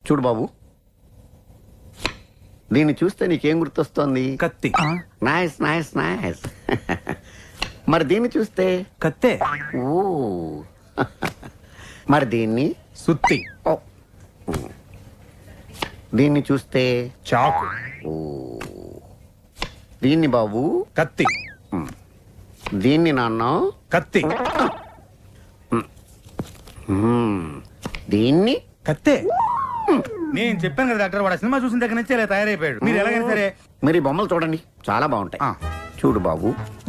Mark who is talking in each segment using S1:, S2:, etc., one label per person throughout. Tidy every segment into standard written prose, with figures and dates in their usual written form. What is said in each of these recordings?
S1: చూడు బాబు, దీన్ని చూస్తే నీకేం గుర్తొస్తోంది?
S2: కత్తి.
S1: Nice nice nice. మరి దీన్ని చూస్తే?
S2: కత్తే.
S1: ఓ. మరి దీన్ని?
S2: సుత్తి.
S1: ఓ. దీన్ని చూస్తే?
S2: చాకు.
S1: ఓ. దీన్ని బాబు?
S2: కత్తి.
S1: దీన్ని నాన్న?
S2: కత్తి.
S1: దీన్ని?
S2: కత్తే. నేను చెప్పాను కదా డాక్టర్, వాడు సినిమా చూసిన దగ్గర నుంచి ఇలా తయారైపోయాడు. మీరు ఎలాగైనా సరే
S1: మరి ఈ బొమ్మలు చూడండి, చాలా బాగుంటాయి. చూడు బాబు,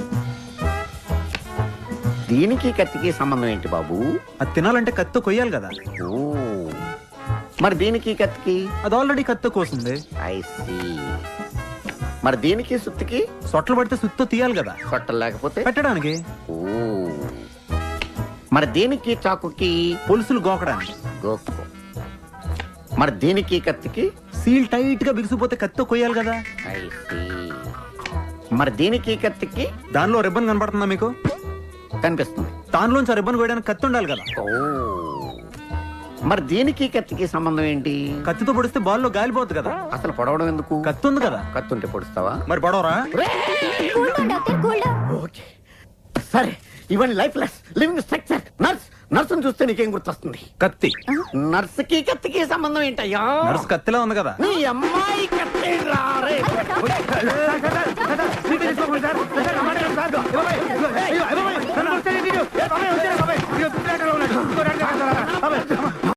S1: దీనికి కత్తికి సంబంధం ఏంటి బాబు?
S2: అది తినాలంటే కత్తి కొయ్యాలి కదా.
S1: ఓ. మరి దీనికి కత్తికి?
S2: అది ఆల్రెడీ కత్తి కోసింది.
S1: I see. మరి దీనికి సుత్తికి?
S2: సొట్టలు పడితే సుత్తో తీయాలి కదా.
S1: సొట్టలు లేకపోతే
S2: పెట్టడానికి.
S1: ఓ. మరి దీనికి చాకుకి?
S2: పులుసులు గోకడానికి.
S1: గోక్కో. మరి దీనికి కత్తికి?
S2: సీల్ టైట్ గా బిగిసిపోతే కత్తి కొయ్యాలి కదా.
S1: I see. మరి దీనికి కత్తికి?
S2: దానిలో రిబ్బన్ కనపడుతుందా మీకు?
S1: కనిపిస్తుంది.
S2: దానిలోంచి రిబ్బన్ కొయ్యడానికి కత్తి ఉండాలి కదా.
S1: ఓ. మరి దీనికి కత్తికి సంబంధం ఏంటి?
S2: కత్తితో పొడిస్తే బాల్లో గాలిపోతుంది కదా.
S1: అసలు పొడవడం ఎందుకు?
S2: కత్తి ఉంది కదా.
S1: కత్తి ఉంటే పొడుస్తావా?
S2: మరి పొడవరా?
S1: ఓకే సరే, ఇవన్నీ లైఫ్ లెస్ లివింగ్ స్ట్రక్చర్. నర్సును చూస్తే నీకేం గుర్తొస్తుంది?
S2: కత్తి.
S1: నర్సుకి కత్తికి సంబంధం ఏంటయ్యా?
S2: నర్సు కత్తిలా ఉంది కదా.
S1: నీ అమ్మాయి కత్తి రారే.